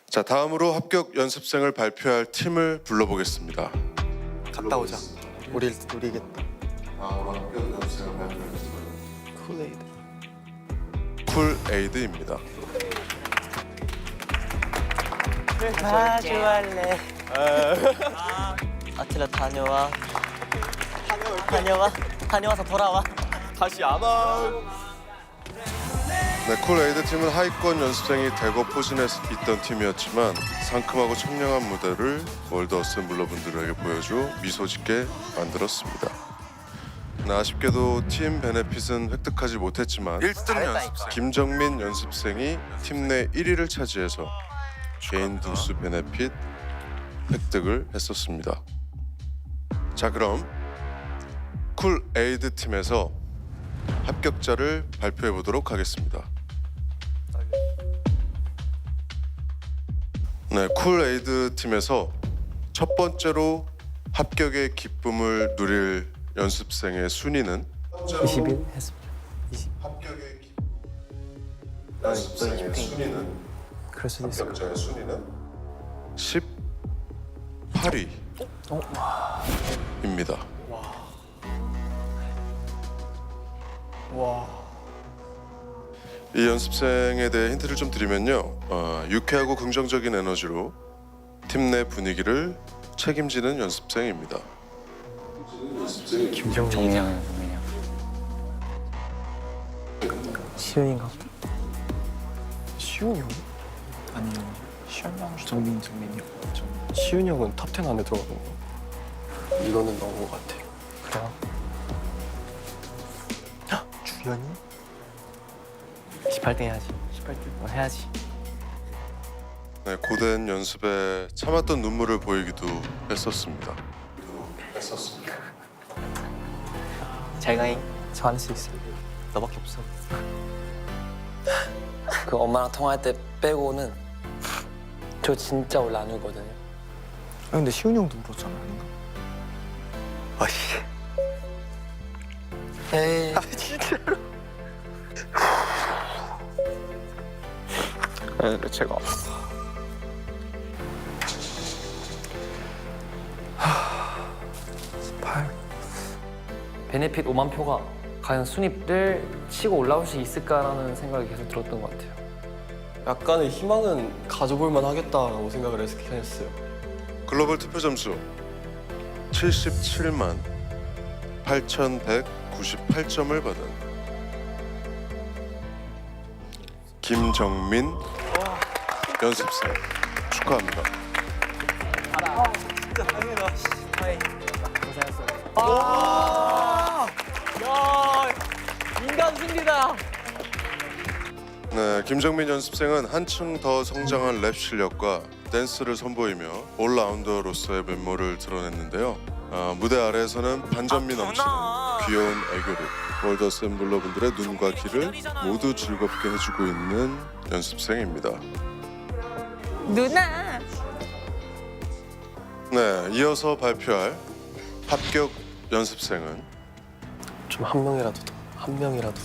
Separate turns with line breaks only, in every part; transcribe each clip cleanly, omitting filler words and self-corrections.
자, 다음으로 합격 연습생을 발표할 팀을 불러보겠습니다.
갔다 오자. 우리 이겠다.
다음으로 합격 연습생을 발표할 팀은
쿨에이드.
쿨에이드입니다.
아 좋아할래. 아틀라 다녀와서 돌아와.
다시 안 와.
네, 쿨에이드 팀은 하위권 연습생이 대거 포진해 있던 팀이었지만 상큼하고 청량한 무대를 월드 어셈블러 분들에게 보여줘 미소 짓게 만들었습니다. 네, 아쉽게도 팀 베네핏은 획득하지 못했지만 1등 연습생 김정민 연습생이 팀 내 1위를 차지해서 개인 등수 베네핏 획득을 했었습니다. 자, 그럼 쿨에이드 팀에서 합격자를 발표해 보도록 하겠습니다. 네, 쿨에이드 팀에서 첫 번째로 합격의 기쁨을 누릴 연습생의 순위는
21 했습니다.
합격의 연습생의 순위는
그럴 수도 있을 것
합격자의 순위는 18위입니다. 이 연습생에 대해 힌트를 좀 드리면요, 유쾌하고 긍정적인 에너지로 팀 내 분위기를 책임지는 연습생입니다.
정민이 시윤인가?
시훈이 형? 아니요. 시훈이 형. 정민이요. 시훈이 형은 탑 10 안에 들어가는 거. 이거는 넣은 것 같아.
그래요?
주연이?
18등 해야지. 18등 해야지.
네, 고된 연습에 참았던 눈물을 보이기도 했었습니다.
잘 가잉. 저 안 할 수 있어. 너밖에 없어.
그 엄마랑 통화할 때 빼고는 저 진짜 원래 안 울거든요.
아 근데 시훈이 형도 울었잖아, 아닌가? 아씨.
에이.
진짜로? 네, 제가
베네핏 5만 표가 과연 순위를 치고 올라올 수 있을까라는 생각이 계속 들었던 것 같아요.
약간의 희망은 가져볼 만하겠다라고 생각을 했어요.
글로벌 투표 점수 77만 8,198점을 받은 김정민 연습생 축하합니다.
인간 승리다.
네, 김정민 연습생은 한층 더 성장한 랩 실력과 댄스를 선보이며 올라운더로서의 면모를 드러냈는데요. 무대 아래에서는 반전미 넘치는 귀여운 애교로 월드 어셈블러 분들의 눈과 귀를 모두 즐겁게 해주고 있는 연습생입니다.
누나.
네, 이어서 발표할 합격 연습생은
좀 한 명이라도 더. 한 명이라도.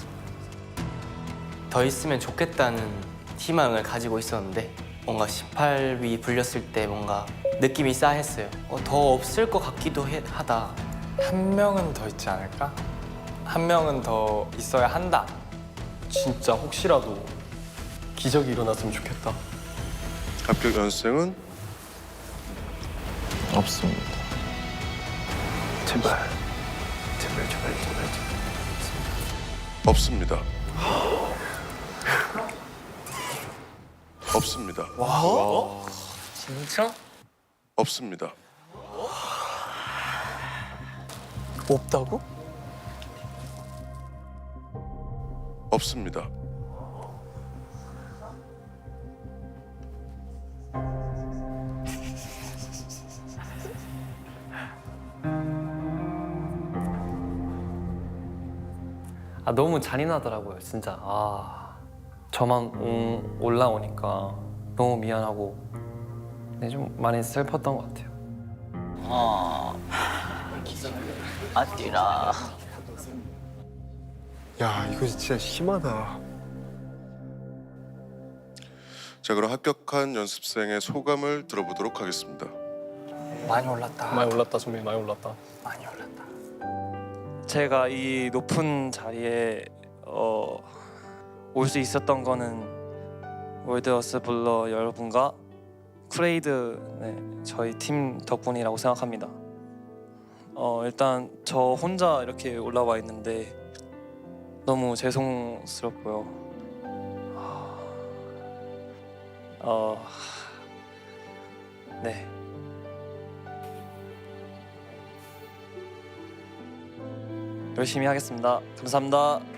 더 있으면 좋겠다는 희망을 가지고 있었는데 뭔가 18위 불렸을 때 뭔가 느낌이 싸했어요. 더 없을 것 같기도 하다.
한 명은 더 있지 않을까? 한 명은 더 있어야 한다.
진짜 혹시라도 기적이 일어났으면 좋겠다.
합격 연습생은
없습니다. 제발.
없습니다. 없습니다.
진짜?
없습니다.
없다고?
없습니다.
너무 잔인하더라고요, 진짜. 저만 올라오니까 너무 미안하고 네, 좀 많이 슬펐던 것 같아요.
아띠라.
야 이거 진짜 심하다.
자, 그럼 합격한 연습생의 소감을 들어보도록 하겠습니다.
많이 올랐다.
많이 올랐다 선배, 많이 올랐다.
많이 올랐다.
제가 이 높은 자리에 올 수 있었던 거는 월드어스블러 여러분과 쿠레이드 저희 팀 덕분이라고 생각합니다. 일단 저 혼자 이렇게 올라와 있는데 너무 죄송스럽고요. 네. 열심히 하겠습니다. 감사합니다.